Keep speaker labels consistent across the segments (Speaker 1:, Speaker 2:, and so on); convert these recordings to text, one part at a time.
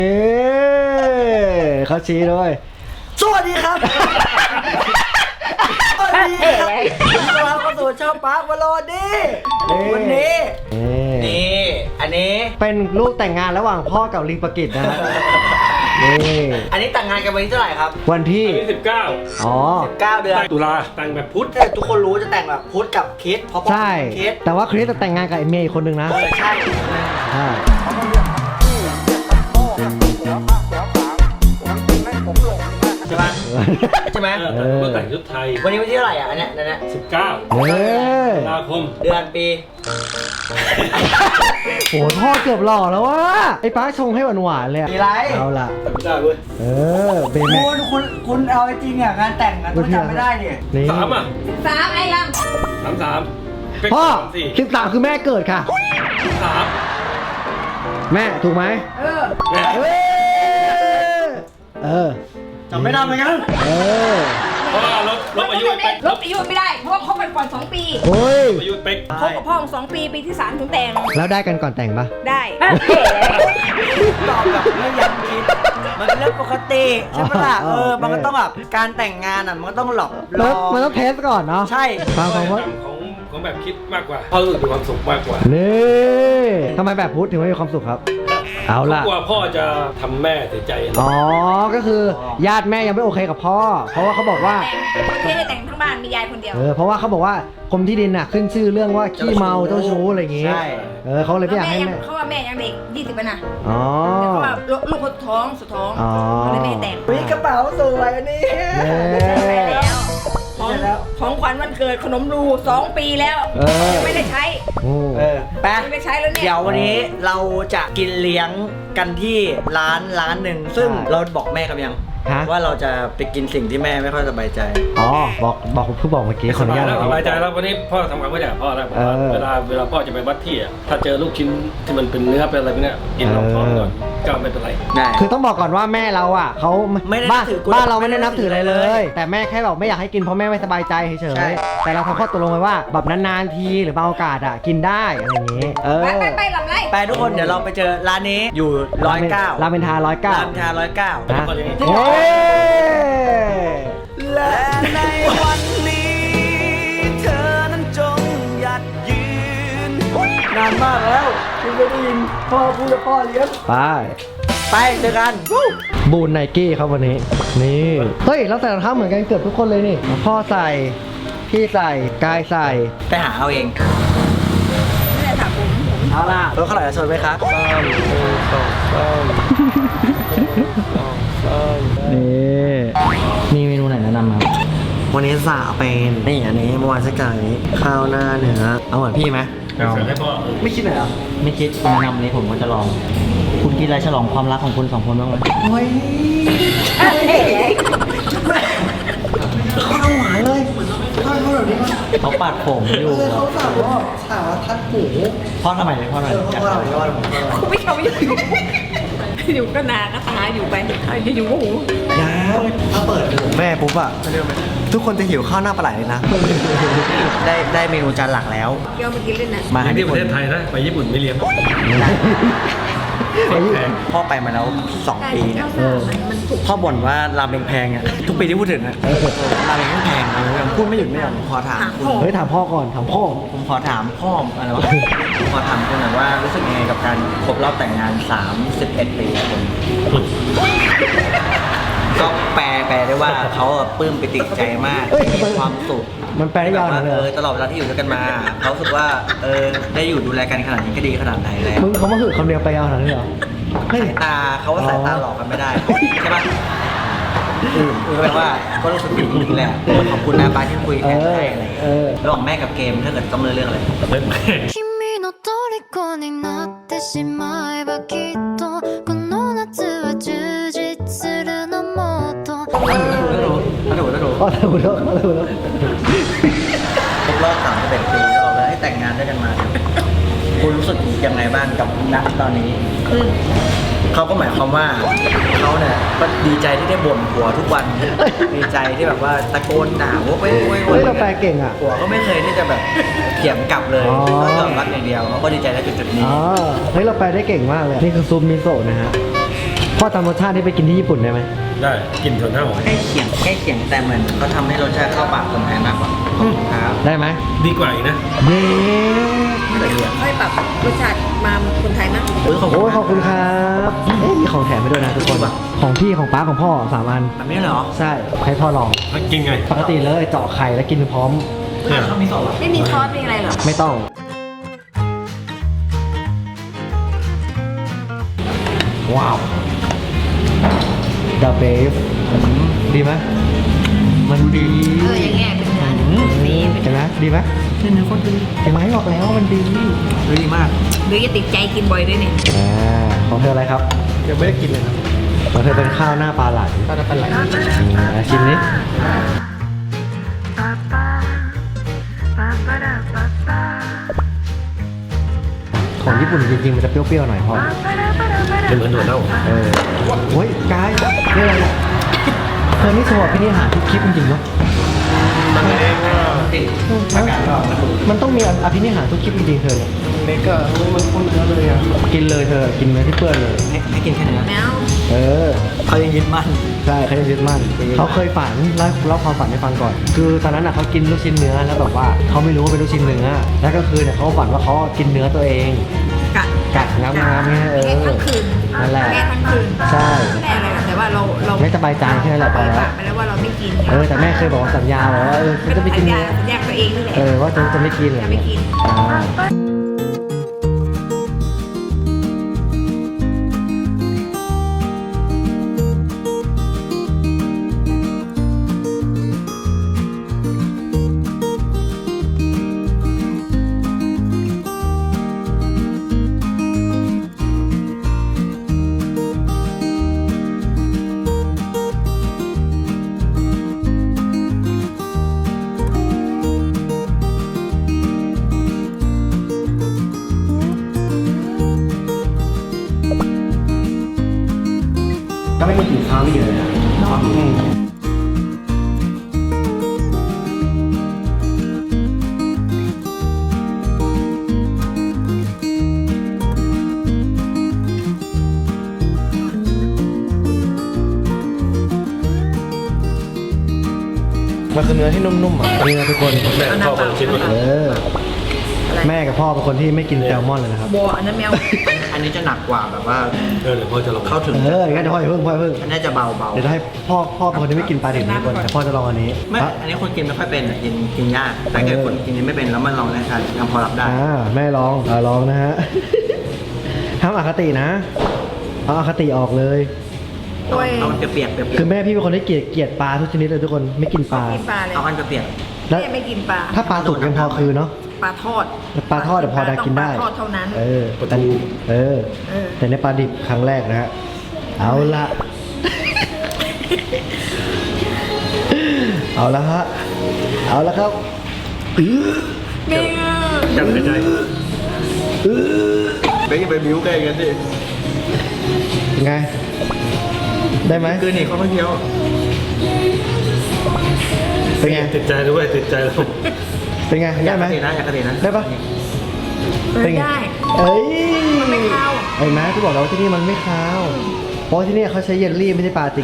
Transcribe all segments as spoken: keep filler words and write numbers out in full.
Speaker 1: เอ๊เขาชี้ด้วยสวัสดีครับสวัสดีครับต้อนรับเข้าสู่ช่องป๊าบอลดี้วันนี้นี่อันนี้เป็นรูปแต่งงานระหว่างพ่อกับลิงปกิจนะฮะนี่อันนี้แต่งงานกันวันที่เท่าไหร่ครับวันที่
Speaker 2: สิบเก้า
Speaker 1: อ๋อ
Speaker 2: สิบเก้าเดือนตุลาแต่งแบบพุทธ
Speaker 1: ทุกคนรู้จะแต่งแบบพุทธกับคริสเพราะใช่แต่ว่าคริสจะแต่งงานกับไอ้เมย์คนหนึ่งนะใช่ใช่ใช่ไหมใช่ไหม
Speaker 2: ก็แต่งชุดไทย
Speaker 1: วันนี้วันที่เท่าไหร่อ่ะอันเนี้ยอันเนี้ย
Speaker 2: สิบเก้าตุลาคม
Speaker 1: เดือนปีโหพ่อเกือบหล่อแล้ววะไอ้ป้าชงให้หวานหวานเลยมีไรเอาล่ะ
Speaker 2: ไม่ได้เว้ย
Speaker 1: เออเบนคุณ
Speaker 3: คุณคุณเอาจริงอ่ะงานแต่งอ่ะต้องจำไม่ได้เนี่ย
Speaker 2: สามอ่ะ
Speaker 4: สามไอ้ล
Speaker 2: ำสามสาม
Speaker 1: พ่อสิบสามคือแม่เกิดค่ะ
Speaker 2: สาม
Speaker 1: แม่ถูกไหม
Speaker 4: เออ
Speaker 1: เออ
Speaker 3: จำไม่ได้เหมือนกัน
Speaker 1: เออ
Speaker 2: เพราะว่าลบลบอายุไป
Speaker 4: ลบอายุไม่ได้เพราะว่าคบกันก่อนสองปี
Speaker 1: โอ้ย
Speaker 2: อายุเป๊ก
Speaker 4: คบกับพ่อสองปีปีที่สามถึงแต่ง
Speaker 1: แล้วได้กันก่อนแต่งปะ
Speaker 4: ได้
Speaker 3: ตอบแบบไม่ยั้งคิดมันเป็นเรื่องปกติใช่ไหมล่ะเออมันก็ต้องแบบการแต่งงานอ่ะมันก็ต้องหลอก
Speaker 1: รอมันต้องเทสก่อนเนาะ
Speaker 3: ใช่
Speaker 1: ฟังฟังว่า
Speaker 2: ของของแบบคิดมากกว่าพ่อรู้สึกมีความสุขมากกว่า
Speaker 1: นี่ทำไมแบบพุทธถึงไม่มีความสุขครับเอาล่ะ
Speaker 2: กลัวพ่อจะทำแม่เสียใจ
Speaker 1: อ๋อก็คือญาติแม่ยังไม่โอเคกับพ่อเพราะว่าเขาบอกว่า
Speaker 4: แค่ได้แต่งทั้งบ้านมียายคนเดียว
Speaker 1: เออเพราะว่าเขาบอกว่ากรมที่ดินน่ะขึ้นชื่อเรื่องว่าขี้เมาเจ้าชู้อะไรอย่างงี้เออเขาเลยไม่อยากให้แม่
Speaker 4: เขาว่าแม่ยังเด็กยี่สิบปีนะ
Speaker 1: อ๋อ
Speaker 4: แต่เขาว่าลูกคนท้องสุดท้องเขาเลยไม่แต่ง
Speaker 3: มีกระเป๋าสวยนี่
Speaker 4: แล้วของของขวัญวันเกิดขนมรูสองปีแล้วยังไม่ได้ใช้
Speaker 1: เออ
Speaker 3: แป๊ะ
Speaker 4: ไม่ใช้แล้วเนี่ย
Speaker 3: เดี๋ยววันนี้เราจะกินเลี้ยงกันที่ร้านร้านหนึ่งซึ่งเราบอกแม่กันยังว่าเราจะไปกินสิ่งที่แม่ไม่ค่อยสบายใจ
Speaker 1: อ๋อบอกบอกเพิ่งบอกเมื่อกี้
Speaker 2: ขออนุญาตสบายใจแล้ววันนี้พ่อทำความเข้าใจกับพ่อแล้วเวลาเวลาพ่อจะไปวัดที่อ่ะถ้าเจอลูกชิ้นที่มันเป็นเนื้อเป็นอะไรพวกนี้กินลองท้องก่อนก็ไม่เป็นไร
Speaker 1: คือต้องบอกก่อนว่าแม่เราอ่ะเขาบ้านบ้านเราไม่ได้นับถืออะไรเลยแต่แม่แค่แบบไม่อยากให้กินเพราะแม่ไม่สบายใจเฉยๆแต่เราทำข้อตกลงไว้ว่าแบบนานๆทีหรือบางโอกาสอ่ะกินได้อะไรอย่างนี้เออ
Speaker 4: ไปไปลำไร
Speaker 3: ไปทุกคนเดี๋ยวเราไปเจอร้านนี้อยู่ร้อยเก้า
Speaker 1: ราเมนทาร้อยเก้า
Speaker 3: ราเมนทาร้อยเก้า
Speaker 1: และ
Speaker 3: ในวันนี้เธอนั้นจงหยัดยืนนานมากแล้วคุณไม่ได้ยินพ่อพูดกับพ่อเลี้ยง
Speaker 1: ไป
Speaker 3: ไปเจอกัน
Speaker 1: บูนไนกี้ครับวันนี้นี่เฮ้ยเราใส่รองเท้าเหมือนกันเกือบทุกคนเลยนี่พ่อใส่พี่ใส่กายใส่
Speaker 3: ไปหาเอาเอง
Speaker 4: ไม่ได้ถามผม
Speaker 3: เอาล่ะรถข้าวหลามชนไหมครับ
Speaker 1: นี่มีเมนูไหนแนะนำครับ
Speaker 3: วันนี้สั่งเป็นนี่อันนี้เมื่อวานสักจานนี้ข้าวหน้าเนื้อเอาเหมือนพี่ไหม
Speaker 2: เอา
Speaker 3: ไม่คิดเลยเหรอ
Speaker 1: ไม่คิดแนะนำนี้ผมก็จะลองคุณคิดอะไรฉลองความรักของคุณสองคนบ้างไหม
Speaker 3: โอ้ยข้าวหวานเลยข้าวเขาแบบนี้
Speaker 1: เขาปาดผมอยู่
Speaker 3: เขาสั่งว่าสั่งว่าทัดหู
Speaker 1: พ่อทำไมเลยพ่อทำไม
Speaker 3: พ่อทำไมพ่อทำไม
Speaker 4: ไม่เขาอยู่อยู่ก็นาก็ตาอยู่ไปจะอยู่ก็หู
Speaker 3: ยาวถ้าเปิดแม่ปุ๊บอะทุกคนจะหิวข้าวหน้าปลาไหลเลยนะได้ได้เมนูจานหลักแล้ว
Speaker 4: เกี่ยวมากินเล่นนะ
Speaker 2: มาที่ประเทศไทยนะไปญี่ปุ่นไม่เลี้ยง
Speaker 3: พ่อไปมาแล้วสองปีเนี่ยพ่อบ่นว่าราเมงแพงอ่ะทุกปีที่พูดถึงอ่ะราเมงแพงยังพูดไม่หยุดไม่หย่อนขอถาม
Speaker 1: เฮ้ยถามพ่อก่อนถามพ่อ
Speaker 3: ผมขอถามพ่ออะไรวะผมขอถามคุณหน่อยว่ารู้สึกยังไงกับการครบรอบแต่งงานสามสิบเอ็ดปีผมก็แปลแปลได้ว่าเขาปลื้มปิติใจมากมีความสุข
Speaker 1: มันแปลได้ยาวนะ
Speaker 3: เออตลอดเวลาที่อยู่ด้วยกันมาเขารู้สึกว่าเออได้อยู่ดูแลกันขนาดนี้ก็ดีขนาดไหนแล้ว
Speaker 1: มึงเขามาคือคำเดียวไปยาวขนาดนี้เหรอ
Speaker 3: สายตาเขาว่าสายตาหลอกกันไม่ได้ใช่ปะอือคือแปลว่าก็รู้สึกดีจริงๆแหละขอบคุณนะป้าที่คุยแทนให้อะไรระหว่างแม่กับเกมถ้าเกิดต้องเลือกเรื่องอะไรเลือกแม่ถูกถูกถูกถูกถูกถูกถูกครบรอบสามสิบเอ็ดปีเราเลยให้แต่งงานด้วยกันมาคุณรู้สึกยังไงบ้างกับณตอนนี้เขาก็หมายความว่าเขาเนี่ยก็ดีใจที่ได้บ่นผัวทุกวันดีใจที่แบบว่าตะโกนด่าโว้ยโว้ยโว้ย
Speaker 1: เราแปลเก่งอ่ะ
Speaker 3: ผัวก็ไม่เคยที่จะแบบเถียงกลับเลยก็ยอมรับอย่างเดียวเขาก็ดีใจในจุดๆนี้
Speaker 1: อ๋อเฮ้ยเราแปลได้เก่งมากเลยนี่คือซุปมิโซะนะฮะพ่อจำรสชาติที่ไปกินที่ญี่ปุ่นได้ไหม
Speaker 2: ได้กินส่วนหน้าหอย
Speaker 3: ใกล้เคียงใกล้เคียงแต่เหมือนเขาทำให้รสชาติเข้าปากคนไทยมากกว่าครับ
Speaker 1: ได้ไหม
Speaker 2: ดีกว่าอีกนะ
Speaker 1: เย้
Speaker 4: ค่อยปรับรสชาติมาคนไทยมั้ง
Speaker 3: โอ้ยขอบ
Speaker 1: โอ้
Speaker 3: คุณ
Speaker 1: ยขอบคุณครับเอ๊ะมีของแถมไปด้วยนะทุกคนของพี่ของป้าของพ่อสามอัน
Speaker 3: แบบนี้เหรอ
Speaker 1: ใช่ให้พ่อลอง
Speaker 2: แล้วกินไง
Speaker 1: ปกติเลยเจาะไข่แล้วกินพร้อม
Speaker 2: เนี่ย
Speaker 3: เขามีสองเหรอ
Speaker 4: ไม่มีซอสมีอะไรเหรอ
Speaker 1: ไม่ต้อง ว้าวดาเบฟดีไหมมันดี
Speaker 4: เอออย่างเงี้ยเป็นเนื้อสีเป็น
Speaker 1: เห็นไหมดีไหม
Speaker 3: เนื้อคนดี
Speaker 1: เห็นไหมบอกแล้วมันดี
Speaker 3: ดีมาก
Speaker 4: หรือจะติดใจกินบ่อยด้วยเนี่ย
Speaker 1: อ่าของเธออะไรครับ
Speaker 2: ยังไม่ได้กินเลยครับ
Speaker 1: ของเธอเป็นข้าวหน้าปลาไหล
Speaker 2: ถ้าจะเป็นไร
Speaker 1: อ่าชิมนี้ของญี่ปุ่นจริงๆมันจะเปรี้ยวๆหน่อยพอ
Speaker 2: เป็นเหมือนถั่วเน่า
Speaker 1: เออโอ้ยกายนี่อะไรเนี่ยเธอนี่สวบพี่นี่หาทุกคลิปจริงๆเนาะ
Speaker 2: มันเองว่า
Speaker 3: ติดอากาศร้อนนะคุณ
Speaker 1: มันต้องมีอภินิหารทุกคลิปจริงๆเธอเนี่ย
Speaker 2: เมกะมันคนเยอะเลยอ่ะ
Speaker 1: กินเลยเธอกินเนื้อที่เปื้อนเลย
Speaker 3: ให้ให้กินแค่เนื้อ
Speaker 4: แมว
Speaker 1: เออ
Speaker 3: เขายังยึดมั่น
Speaker 1: ใช่เขาจะยึดมั่นเขาเคยฝันเล่าเล่าความฝันให้ฟังก่อน คือตอนนั้นอ่ะเขากินลูกชิ้นเนื้อแล้วแบบว่าเขาไม่รู้ว่าเป็นลูกชิ้นเนื้อแล้วก็คือเนี่ยเขาฝันว่าเขากินเนื้อตัวเอง
Speaker 4: กะ
Speaker 1: กัดน้ำน้ำเนี่ยเออ
Speaker 4: แค่ทั้งคืน
Speaker 1: นั่นแหละ
Speaker 4: แค่ทั้งคืน
Speaker 1: ใช่
Speaker 4: ไม่ได้อะไรหรอกแต่ว่าเราเรา
Speaker 1: ไม่สบายใจแค่นั้นแหละพอแล้ว
Speaker 4: ปากไปแล้วว่าเราไม่กิน
Speaker 1: เออแต่แม่เคยบอกว่าสัญญาไว้ว่าเออฉันจะไม่กิน
Speaker 4: สัญญา
Speaker 1: เนื้อ
Speaker 4: สัญญาตัวเองนี่แหละ
Speaker 1: เออว่าจะจะไม่กินเลย
Speaker 4: จะไม่กิน
Speaker 1: อ่าก็ไม่มีกลิ่นข้าวไม่เยอะนะอืมมันคือเนื้อที่นุ่มๆอ่ะนี่นะทุกคน
Speaker 2: แม่ชอบคนละชิ้นหมดเล
Speaker 1: เอย อ แม่กับพ่อเป็นคนที่ไม่กินแซลมอนเลยนะครับ
Speaker 4: บัวอันนั้นแมว
Speaker 3: อันนี้จะหนักกว่าแบบว่า
Speaker 2: เออเดี๋ยวพ่อจะลอง
Speaker 3: เข้าถึง
Speaker 1: เอองั้นเดี๋ยวพ่ออย่าเพิ่งพ่ออย่าเพิ่ง
Speaker 3: อันนี้จะเบาเบา
Speaker 1: เดี๋ยวจะให้พ่อพ่อเป็นคนที่ไม่กินปลาดิบนะทุกคนแต่พ่อจะลองอันนี้
Speaker 3: ไม่
Speaker 1: อ่ะ
Speaker 3: อันนี้คนกินไม่ค่อยเป็นอะกินกินยากแต่เกิดคนกินไม่เป็นแล้วมันลองได้ทานยังพอรับได้
Speaker 1: อ่าแม่ลองอ่าลองนะฮะ ห้ามอคตินะเอาอคติออกเลย
Speaker 4: โอ้ย
Speaker 3: เอามันเปียกๆเปียก
Speaker 1: คือแม่พี่เป็นคนที่เกลียดเกลียดปลาทุกชนิดเลยทุกคนไม่กินปลา
Speaker 4: กินปลาเลย
Speaker 3: ๆเอาอันเปียก
Speaker 1: แล้ว
Speaker 4: แม่ไม่กินปลา
Speaker 1: ถ้าปลาสุกยังพอคือเนาะ
Speaker 4: ปลาทอด
Speaker 1: ปลาทอดเดี๋ยวพอได้กินได้
Speaker 4: ปลาทอดเท่านั้น
Speaker 1: เออแต่เออ
Speaker 4: เออ
Speaker 1: แต่ในปลาดิบครั้งแรกนะฮะเอาละ เอาละฮะเอาละครับอื้อ
Speaker 4: แม่
Speaker 2: จังหายใจ
Speaker 1: อื้อ
Speaker 3: ๆไปไปบิ้วกันกันดิ
Speaker 1: ไง ได้ไหม
Speaker 3: คือนี่เขาไม่เคี้ยว
Speaker 1: เป็นไง
Speaker 2: ติดใจด้วยติดใจแล้ว
Speaker 1: เป็นไงได้ไหม
Speaker 3: อยากกระตินะอยากกระตินะ
Speaker 1: ได้ปะ
Speaker 4: เออได้
Speaker 1: เอ้ย
Speaker 4: มันไม่คาว
Speaker 1: ไอ้แม่ที่บอกเราที่นี่มันไม่คาว เพราะที่นี่เขาใช้เยลลี่ไม่ใช่ปลาจริง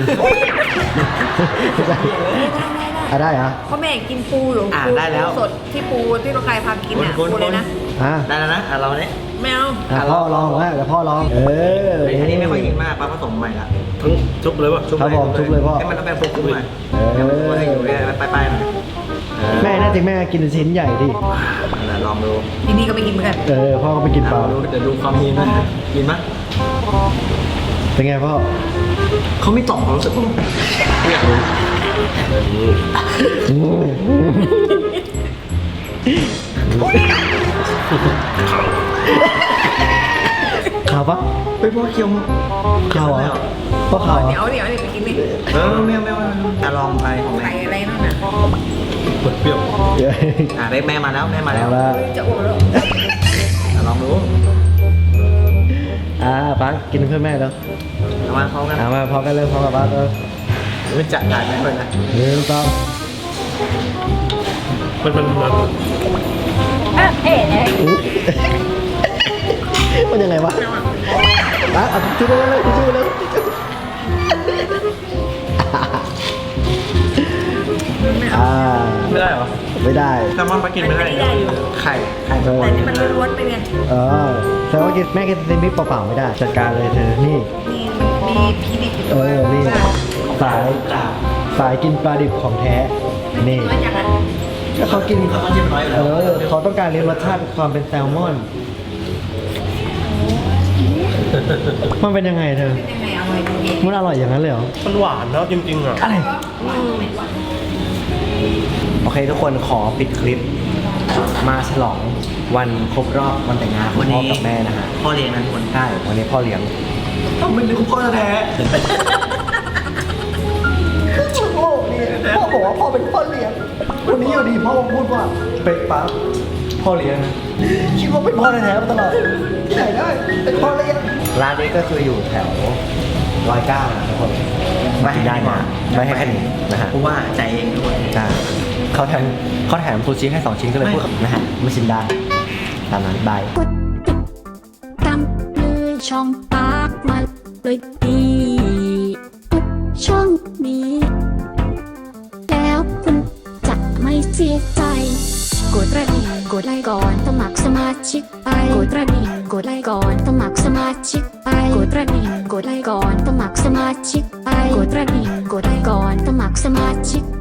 Speaker 1: อ่ะได้เหรอ
Speaker 4: เพราะแม่กินปูอยู่
Speaker 3: อ่า
Speaker 4: ปู
Speaker 3: ได้แล้ว
Speaker 4: สดที่ปูที่เราใครพากินอ่ะ
Speaker 3: คนๆ
Speaker 4: ปูเลยนะ
Speaker 1: อ่ะ
Speaker 3: ได้แล้วนะอ่ะเราเนี่ย
Speaker 4: แมว
Speaker 1: อ่ะพ่อลองนะเดี๋ยวพ่อลอง เออ
Speaker 3: อันนี้ไม่ค่อยกินมากปลาผสมใหม่ละ
Speaker 2: ทั้งชุบเลยวะ
Speaker 1: ครับผมชุบเลยพ่อ
Speaker 3: ให้มันต้องเป็นฟุกๆหน่อย
Speaker 1: เออ
Speaker 3: ให้มันให้อยู่เนี่ยปลายๆหน่อยเออ
Speaker 1: แม่น่าจะแม่กินชิ้นใหญ่ดิ
Speaker 3: นั่นแหละลองดู
Speaker 4: ที่นี่ก็ไม่กินเหมือนกัน
Speaker 1: เออพ่อก็ไปกินปลา
Speaker 3: ลองดูเดี๋ยวดูความมีนะกินไหม
Speaker 1: เป็นไงพ่อ
Speaker 3: เขาไม่ตอบความรู้สึกผม
Speaker 1: ขาวปะ
Speaker 3: ไปพวกเคี้ยว
Speaker 1: ขาวเหรอพ่อขาวเหร
Speaker 4: เดี๋ยว
Speaker 1: อ
Speaker 4: เดี๋ยวเดี๋ยวไปกินนี่
Speaker 3: เออไม่เอาไม่เอาจะลองไปของ
Speaker 4: ไข่
Speaker 3: แม่
Speaker 4: อะไรนั่นน่ะ
Speaker 2: เปิดเปรี้ยว
Speaker 1: เดี๋ยว
Speaker 3: อ่ะได้แม่มาแล้วแม่มาแล้
Speaker 1: เอา
Speaker 3: ว
Speaker 1: ละ
Speaker 4: เฮ้ยจะอ้วกแล้ว
Speaker 3: อ่ะลองดู
Speaker 1: อ่าป้ากินเพื่อนแม่แล้ว
Speaker 3: เอามาพร้อมกัน
Speaker 1: อ่ามาพร้อมกันเลยพร้อมกับป้าเออ
Speaker 3: มันจะจ่ายแม่เลยนะ
Speaker 1: หนึ่งสอง
Speaker 2: มันมันมัน
Speaker 1: มันยังไงวะป้าเอาจุ๊บเลยเลยจุ๊บเลย
Speaker 3: แซลมอนปลากินไม่ได้
Speaker 4: อันนี้ได้อยู่
Speaker 3: ไข่ไข่
Speaker 1: เออ
Speaker 4: แต่นี่มันล้วนๆไปไง
Speaker 1: เออแต่ว่ากินแม่กินซีมิเปล่าๆไม่ได้ จัดการเลยเธอ นี่
Speaker 4: นี่มันมีพีดิบอยู่
Speaker 1: เออ นี่ สายสายกินปลาดิบของแท้ นี่
Speaker 4: น้อยจังอ่ะ
Speaker 1: ก็เขากิน
Speaker 3: เขาต้องจิ้มน้อยอยู่
Speaker 1: เอ
Speaker 3: แล้ว
Speaker 1: อ เขาต้องการเรียนรสชาติความเป็นแซลมอน มันเป็นยังไงเธอ
Speaker 4: เป็นยังไงอร่อยจริง
Speaker 1: มันอร่อยอย่างนั้นเลยเหรอ
Speaker 3: มันหวานแล้วจริงๆอ่ะ
Speaker 1: อะไร โอเคทุกคนขอปิดคลิป มาฉลองวันครบรอบวันแต่งงานของพ่อกับแม่นะฮะ
Speaker 3: พ่อเลี้ยงนะทุกคน
Speaker 1: ใช่ วันนี้พ่อเลี้ยง
Speaker 3: ต้องเป็นลูกพ่อแท้
Speaker 1: พ่อพ่อบอกว่าพ่อเป็นพ่อเลี้ยง วันนี้อยู่ดีพ่อพูดว่าเป็ดปั๊บพ่อเลี้ยงนะคิดว่าเป็นพ่อแท้ๆมาตลอดที่ไหนได้เป็นพ่อเลี้ยง ร้านนี้ก็คืออยู่แถวร้อยเก้านะทุกคนมากินได้นะไม่ให้แค่นี้นะฮะ
Speaker 3: เพราะว่าใจเองด้วย
Speaker 1: ใช่เขาแถมเขาแถมซูชิให้สองชิ้นก็เลย
Speaker 3: ไม่
Speaker 1: พูดกับนะฮะไม่ชิมได้ตามนั้นบาย
Speaker 5: กดติดตามเลยช่องปากมาเลยดีกดช่องนี้ แล้วคุณจะไม่เสียใจ กดกระดิ่งกดไลค์ก่อนสมัครสมาชิกไปกดกระดิ่งกดไลค์ก่อนสมัครสมาชิกไปกดกระดิ่งกดไลค์ก่อนสมัครสมาชิกไปกดกระดิ่งกดไลค์ก่อนสมัครสมาชิก